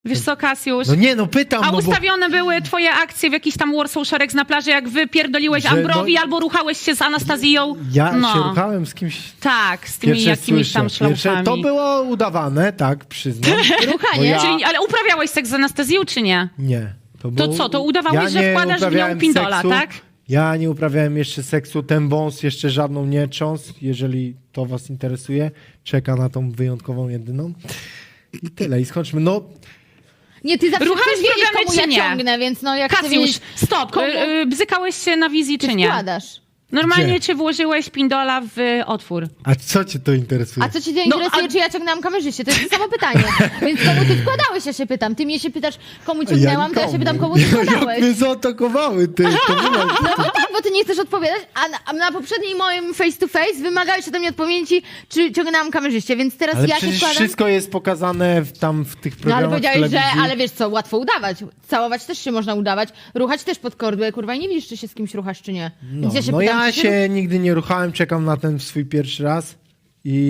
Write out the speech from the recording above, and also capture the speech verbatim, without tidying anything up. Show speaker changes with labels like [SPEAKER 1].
[SPEAKER 1] Wiesz co, Kasiusz?
[SPEAKER 2] No nie, no pytam,
[SPEAKER 1] A
[SPEAKER 2] no
[SPEAKER 1] ustawione były twoje akcje w jakiś tam Warsaw Szereg na plaży, jak wy pierdoliłeś
[SPEAKER 2] Że,
[SPEAKER 1] Ambrowi
[SPEAKER 2] no-
[SPEAKER 1] albo ruchałeś się z Anastazją?
[SPEAKER 2] bo ja
[SPEAKER 1] no.
[SPEAKER 2] się ruchałem z kimś...
[SPEAKER 1] Tak, z tymi
[SPEAKER 2] Pierwsze
[SPEAKER 1] jakimiś tam
[SPEAKER 2] słyszę. Pierwsze,
[SPEAKER 1] szlaufami.
[SPEAKER 2] to było udawane, tak, przyznam. Bo
[SPEAKER 3] Ruchanie.
[SPEAKER 2] ja...
[SPEAKER 1] Czyli, ale uprawiałeś seks z Anastazją, czy nie?
[SPEAKER 2] Nie. To,
[SPEAKER 1] To
[SPEAKER 2] było...
[SPEAKER 1] co, to udawałeś,
[SPEAKER 2] ja
[SPEAKER 1] że
[SPEAKER 2] nie
[SPEAKER 1] wkładasz w nią
[SPEAKER 2] uprawiałem
[SPEAKER 1] pindola,
[SPEAKER 2] seksu.
[SPEAKER 1] tak?
[SPEAKER 2] Ja nie uprawiałem jeszcze seksu, ten wąs jeszcze żadną nie cząs, jeżeli to was interesuje. Czeka na tą wyjątkową jedyną. I tyle, i skończmy. No,
[SPEAKER 3] Nie, ty zawsze
[SPEAKER 1] Ruchałeś
[SPEAKER 3] chcesz wiedzieć,
[SPEAKER 1] programy,
[SPEAKER 3] komu ja
[SPEAKER 1] czy nie?
[SPEAKER 3] ciągnę, więc no jak chcę
[SPEAKER 1] Kasiusz,
[SPEAKER 3] wiedzieć,
[SPEAKER 1] stop.
[SPEAKER 3] komu
[SPEAKER 1] Y, y, bzykałeś się na wizji, czy
[SPEAKER 3] ty
[SPEAKER 1] nie?
[SPEAKER 3] wkładasz.
[SPEAKER 1] Normalnie,
[SPEAKER 2] Gdzie?
[SPEAKER 1] czy włożyłeś pindola w otwór?
[SPEAKER 2] a co cię to interesuje?
[SPEAKER 3] A co cię
[SPEAKER 1] No,
[SPEAKER 3] interesuje,
[SPEAKER 1] a-
[SPEAKER 3] czy ja ciągnęłam kamerzyście? To jest to samo pytanie. Więc komu ty wkładałeś, ja się pytam. Ty mnie się pytasz, komu ciągnęłam, to ja się pytam, komu ty
[SPEAKER 2] Jak
[SPEAKER 3] wkładałeś.
[SPEAKER 2] mnie zaatakowały, ty. To było...
[SPEAKER 3] No bo tak, bo ty nie chcesz odpowiadać, a na, a na poprzednim moim face to face wymagałeś ode mnie odpowiedzi, czy ciągnęłam kamerzyście, więc teraz
[SPEAKER 2] Ale
[SPEAKER 3] ja się
[SPEAKER 2] przecież
[SPEAKER 3] wkładam...
[SPEAKER 2] wszystko jest pokazane w, tam w tych
[SPEAKER 3] No
[SPEAKER 2] programach
[SPEAKER 3] ale powiedziałeś, że,
[SPEAKER 2] telewizji.
[SPEAKER 3] ale wiesz co, łatwo udawać. Całować też się można udawać, ruchać też pod kordłę, kurwa, i nie widzisz, czy się z kimś ruchasz, czy nie.
[SPEAKER 2] No,
[SPEAKER 3] Więc ja się
[SPEAKER 2] no
[SPEAKER 3] pytam,
[SPEAKER 2] ja
[SPEAKER 3] czy
[SPEAKER 2] się nigdy nie ruchałem, czekam na ten swój pierwszy raz.